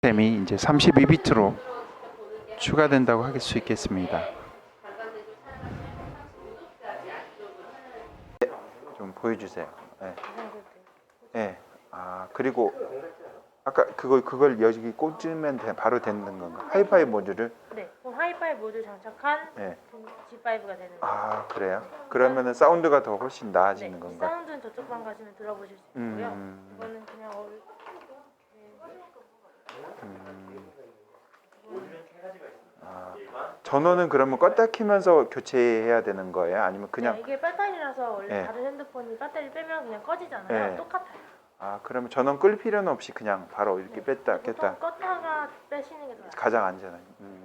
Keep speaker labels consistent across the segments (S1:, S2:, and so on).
S1: 램이 이제 32비트로 추가된다고 할 수 있겠습니다. 좀 보여주세요. 네. 네. 아 그리고 아까 그걸 여기 꽂으면 바로 되는 건가? 하이파이 모듈을?
S2: 네, 그럼 하이파이 모듈 장착한
S1: 네.
S2: G5가 되는 거예요.
S1: 아 그래요? 그러면은 사운드가 더 훨씬 나아지는
S2: 네,
S1: 건가?
S2: 사운드는 저쪽 방 가시면 들어보실 수 있고요. 이거는 그냥
S1: 전원은 그러면 껐다 키면서 교체해야 되는 거예요? 아니면 그냥?
S2: 네, 이게 배터리라서 원래
S1: 네.
S2: 다른 핸드폰이 배터리 빼면 그냥 꺼지잖아요.
S1: 네.
S2: 똑같아요.
S1: 아 그러면 전원 끌 필요는 없이 그냥 바로 이렇게
S2: 네.
S1: 뺐다
S2: 보통
S1: 꼈다
S2: 껐다가 빼시는 게 좋아요.
S1: 가장 안전한.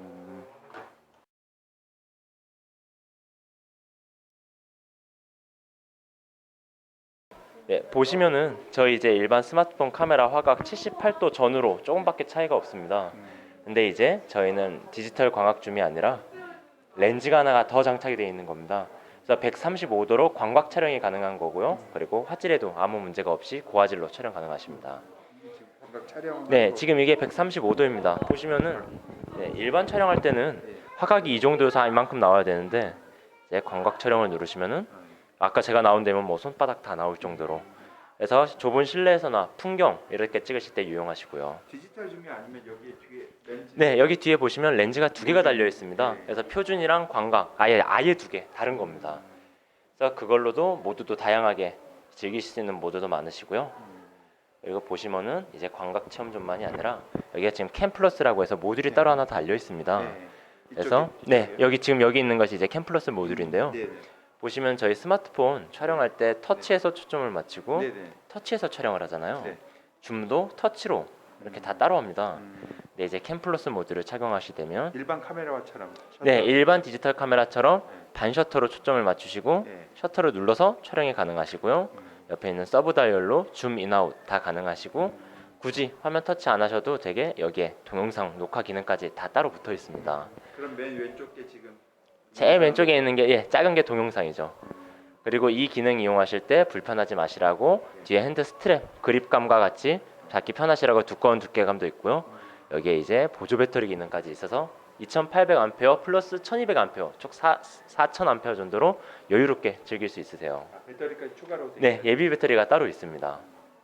S3: 네, 보시면은 저희 이제 일반 스마트폰 카메라 화각 78도 전후로 조금밖에 차이가 없습니다. 근데 이제 저희는 디지털 광학줌이 아니라 렌즈가 하나가 더 장착이 되어 있는 겁니다. 그래서 135도로 광각 촬영이 가능한 거고요. 그리고 화질에도 아무 문제가 없이 고화질로 촬영 가능하십니다. 네, 지금 이게 135도입니다. 보시면은 네, 일반 촬영할 때는 화각이 이 정도에서 이만큼 나와야 되는데 이제 광각 촬영을 누르시면은 아까 제가 나온 데면 뭐 손바닥 다 나올 정도로, 그래서 좁은 실내에서나 풍경 이렇게 찍으실 때 유용하시고요.
S1: 디지털 줌이 아니면 여기 뒤에 렌즈?
S3: 네, 여기 뒤에 보시면 렌즈가 두 개가 달려 있습니다. 그래서 표준이랑 광각 아예 두 개 다른 겁니다. 그래서 그걸로도 모두도 다양하게 즐기실 수 있는 모드도 많으시고요. 그리고 보시면은 이제 광각 체험존만이 아니라 여기가 지금 캠 플러스라고 해서 모듈이 따로 하나 달려 있습니다. 그래서 네, 여기 지금 여기 있는 것이 이제 캠 플러스 모듈인데요. 보시면 저희 스마트폰 촬영할 때 터치해서 초점을 맞추고 터치해서 촬영을 하잖아요. 줌도 터치로 이렇게 다 따로 합니다. 네, 이제 캠 플러스 모드를 착용하시게 되면
S1: 일반 카메라처럼.
S3: 네, 일반 디지털 카메라처럼 반 셔터로 초점을 맞추시고
S1: 네.
S3: 셔터를 눌러서 촬영이 가능하시고요. 옆에 있는 서브 다이얼로 줌 인아웃 다 가능하시고, 굳이 화면 터치 안 하셔도 되게 여기에 동영상 녹화 기능까지 다 따로 붙어 있습니다.
S1: 그럼 맨 왼쪽 게 지금
S3: 제일 왼쪽에 있는 게 작은 게 동영상이죠. 그리고 이 기능 이용하실 때 불편하지 마시라고 뒤에 핸드 스트랩 그립감과 같이 잡기 편하시라고 두꺼운 두께감도 있고요. 여기에 이제 보조 배터리 기능까지 있어서 2800A 플러스 1200A 총 4000A 정도로 여유롭게 즐길 수 있으세요.
S1: 배터리까지 추가로 돼
S3: 네,
S1: 있어요?
S3: 예비 배터리가 따로 있습니다.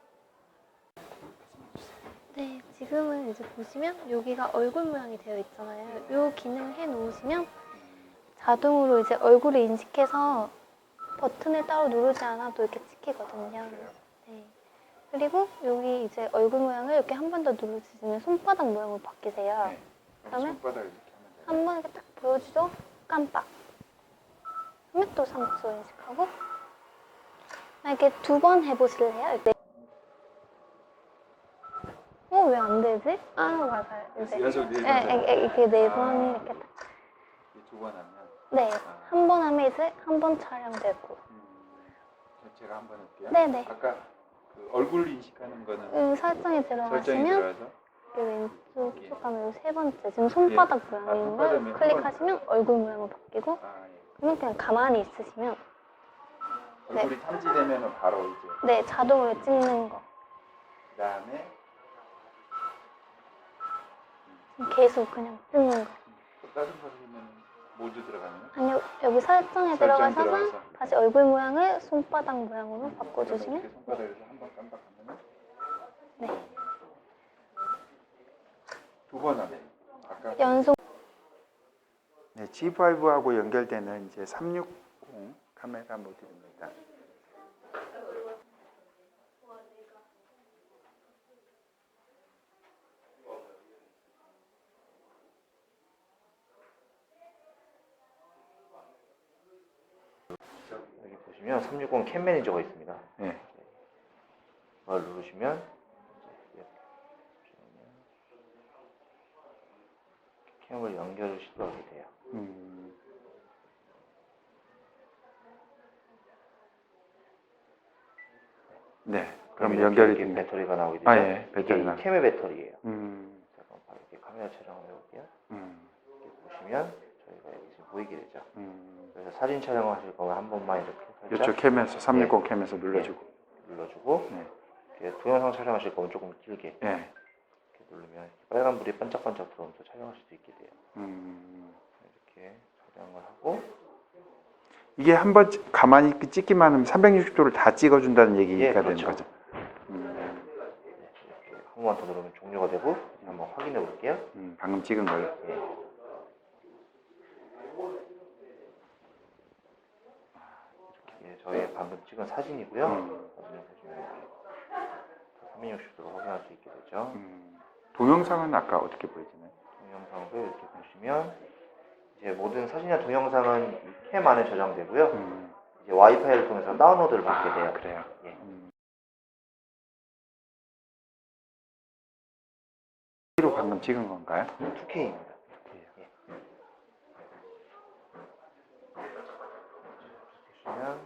S4: 네, 지금은 이제 보시면 여기가 얼굴 모양이 되어 있잖아요. 이 기능을 해 놓으시면 자동으로 이제 얼굴을 인식해서 버튼을 따로 누르지 않아도 이렇게 찍히거든요. 네. 그리고 여기 이제 얼굴 모양을 이렇게 한 번 더 누르시면 손바닥 모양으로 바뀌세요.
S1: 네.
S4: 그다음에
S1: 손바닥 이렇게 하면 돼요.
S4: 한 번 이렇게 딱 보여주죠? 깜빡. 그러면 또 3초 인식하고. 이렇게 두 번 해보실래요? 네. 왜 안 되지? 아, 맞아요. 이제.
S1: 연속 네 번.
S4: 이렇게 네 번 이렇게 딱.
S1: 두 번 하면.
S4: 네. 한 번 하면 이제 한 번 촬영되고.
S1: 제가 한번 할게요.
S4: 네네.
S1: 아까 그 얼굴 인식하는 거는
S4: 설정에
S1: 설정이
S4: 들어가시면
S1: 들어가서
S4: 이 왼쪽 쭉 가면 이 세 번째 지금 손바닥 모양인 걸
S1: 손바닥이면
S4: 클릭하시면 얼굴 모양으로 바뀌고, 그러면 그냥 가만히 있으시면
S1: 얼굴이 탐지되면 바로 이제
S4: 네, 자동으로 찍는 거.
S1: 그다음에
S4: 계속 그냥 뜨는 거.
S1: 다른 버리면 모두 들어가면
S4: 아니요, 여기 설정에
S1: 설정
S4: 들어가셔서
S1: 들어가서.
S4: 다시 얼굴 모양을 손바닥 모양으로 바꿔주시면
S1: 이렇게 손바닥에서 한 번 깜빡하면
S4: 네,
S1: 두 번 하면 아까
S4: 연속.
S1: 네, G5하고 연결되는 이제 360 카메라 모듈입니다.
S3: 여기 보시면 360 캠 매니저가 있습니다.
S1: 네.
S3: 그걸 누르시면 캠을 연결을 시도하게 돼요.
S1: 네. 그럼 연결이
S3: 이렇게
S1: 됩니다.
S3: 배터리가 나오게 되죠.
S1: 아, 예. 배터리가.
S3: 이게 캠의 배터리예요. 잠깐 바로 이렇게 카메라 촬영을 해볼게요. 이렇게 보시면 저희가 여기 지금 보이게 되죠. 그래서 사진 촬영하실 거면 한 번만 이렇게 살짝
S1: 이쪽 캠에서 360 캠에서 눌러주고.
S3: 눌러주고,
S1: 네.
S3: 이렇게 동영상 촬영하실 거면 조금 길게
S1: 네.
S3: 이렇게 누르면 빨간 불이 반짝반짝 들어오면서 촬영할 수도 있게 돼요. 이렇게 촬영을 하고
S1: 이게 한번 가만히 찍기만 하면 360도를 다 찍어준다는 얘기가
S3: 예,
S1: 되는
S3: 그렇죠.
S1: 거죠.
S3: 이렇게 한 번만 더 누르면 종료가 되고 한번 확인해 볼게요.
S1: 방금 찍은 걸로.
S3: 예. 이렇게 저희 방금 찍은 사진이고요. 사진을 보시면 이렇게 360도로 확인할 수 있게 되죠.
S1: 동영상은 아까 어떻게 보여지나요?
S3: 동영상도 이렇게 보시면 이제 모든 사진이나 동영상은 이 캠 안에 저장되고요. 이제 와이파이를 통해서 다운로드를 받게 돼요.
S1: 그래요.
S3: 예.
S1: 로 방금 찍은 건가요?
S3: 2K입니다. 예. 보시면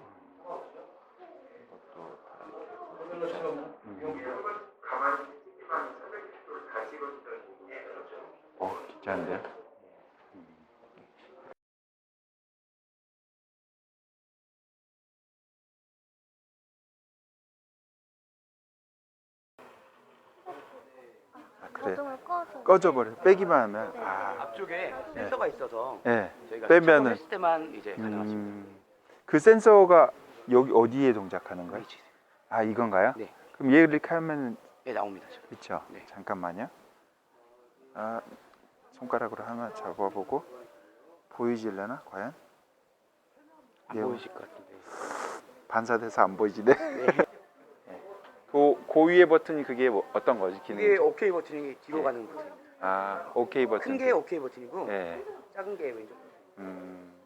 S3: 이것도 다 이렇게
S1: 괜찮은데요? 그래.
S4: 자동으로 꺼서
S1: 꺼져버려. 빼기만 하면.
S4: 네.
S5: 앞쪽에 센서가 있어서
S1: 네.
S5: 저희가
S1: 빼면은.
S5: 작업했을 때만 이제 가능하십니다.
S1: 그 센서가 여기 어디에 동작하는 거예요?
S5: 위치.
S1: 아 이건가요?
S5: 네.
S1: 그럼 얘 이렇게 하면
S5: 네, 나옵니다. 지금.
S1: 그렇죠.
S5: 네.
S1: 잠깐만요. 아 손가락으로 하나 잡아보고 보이질려나 과연?
S5: 안
S1: 예.
S5: 보이실 것 같은데.
S1: 반사돼서 안 보이지네. 그 위에 버튼이 그게 뭐 어떤 거지 기능이?
S5: 이게 OK 버튼이 뒤로
S1: 네.
S5: 가는 버튼입니다.
S1: 아 오케이 버튼.
S5: 큰 게 OK 버튼이고
S1: 네.
S5: 작은 게 왼쪽.
S1: 음.